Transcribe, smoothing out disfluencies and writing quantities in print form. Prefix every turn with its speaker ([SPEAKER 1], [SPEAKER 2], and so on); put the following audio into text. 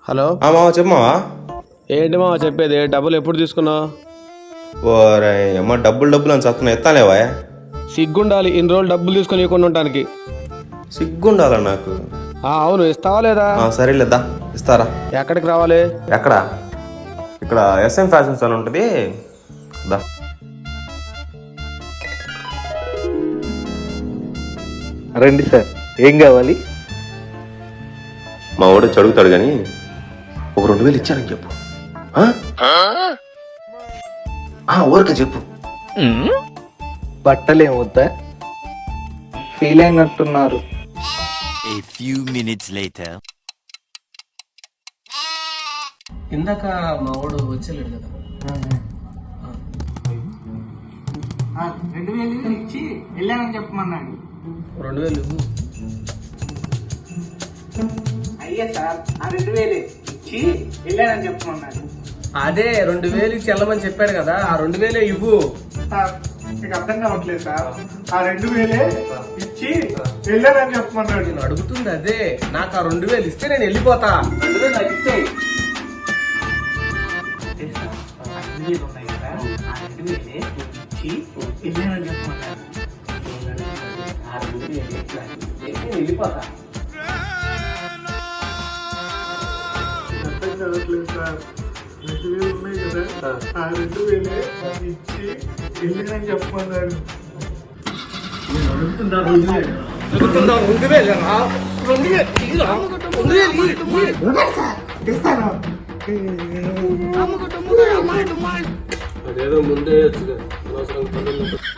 [SPEAKER 1] Hello
[SPEAKER 2] మామ చెప్పమావా.
[SPEAKER 1] ఏంటి మావా చెప్పేది? డబ్బులు ఎప్పుడు తీసుకున్నావు?
[SPEAKER 2] ఓరే అమ్మ డబ్బులు అని చస్తున్నా ఎత్తాలేవా.
[SPEAKER 1] సిగ్గుండాలి ఇన్ని రోజులు డబ్బులు తీసుకొని ఇవ్వకుండా ఉండటానికి.
[SPEAKER 2] సిగ్గుండాలా నాకు?
[SPEAKER 1] అవును, ఇస్తావా లేదా?
[SPEAKER 2] సరేలేదా ఇస్తారా.
[SPEAKER 1] ఎక్కడికి రావాలి?
[SPEAKER 2] ఎక్కడ? ఇక్కడ ఎస్ఎం ఫ్యాషన్స్ అని ఉంటుంది దా.
[SPEAKER 3] రండి సార్, ఏం కావాలి?
[SPEAKER 2] మా వాడు అడుగుతాడు కానీ ఒక 2000 ఇచ్చానని చెప్పు. ఊరికే చెప్పు.
[SPEAKER 3] బట్టలు ఏమవుతా ఫీల్ అయినట్టున్నారు.
[SPEAKER 4] A few minutes later.
[SPEAKER 1] ఇందాక మా వాడు వచ్చేలేడు కదా.
[SPEAKER 3] 2000 ఇచ్చి వెళ్ళానని చెప్పమన్నాడు.
[SPEAKER 1] 2000 ఇవ్వు.
[SPEAKER 3] అయ్యా సార్, ఆ 2000 ఇచ్చి వెళ్ళానని చెప్పమన్నాడు.
[SPEAKER 1] అదే 2000 ఇచ్చి వెళ్ళమని చెప్పాడు కదా, ఆ 2000 ఇవ్వు.
[SPEAKER 3] సార్ మీకు అర్థం కావట్లేదు సార్, ఆ 2000 ఇచ్చి వెళ్ళానని చెప్పమన్నాడు.
[SPEAKER 1] నేను అడుగుతుంది అదే, నాకు ఆ 2000 ఇస్తే నేను వెళ్ళిపోతా.
[SPEAKER 3] 2000 నాకు ఇచ్చేయి. ఆ 2000 ఉన్నాయి కదా, ఆ 2000 ఇచ్చి వెళ్ళానని చెప్పమన్నాడు. ఆ 2000 ఎట్లా నేను వెళ్ళిపోతా. అర్థం కావట్లేదు సార్, 2000 ఉన్నాయి కదా, ఆ 2000 ఇచ్చి వెళ్ళానని చెప్పమన్నాడు.
[SPEAKER 1] అదేదో ముందే అనవసరం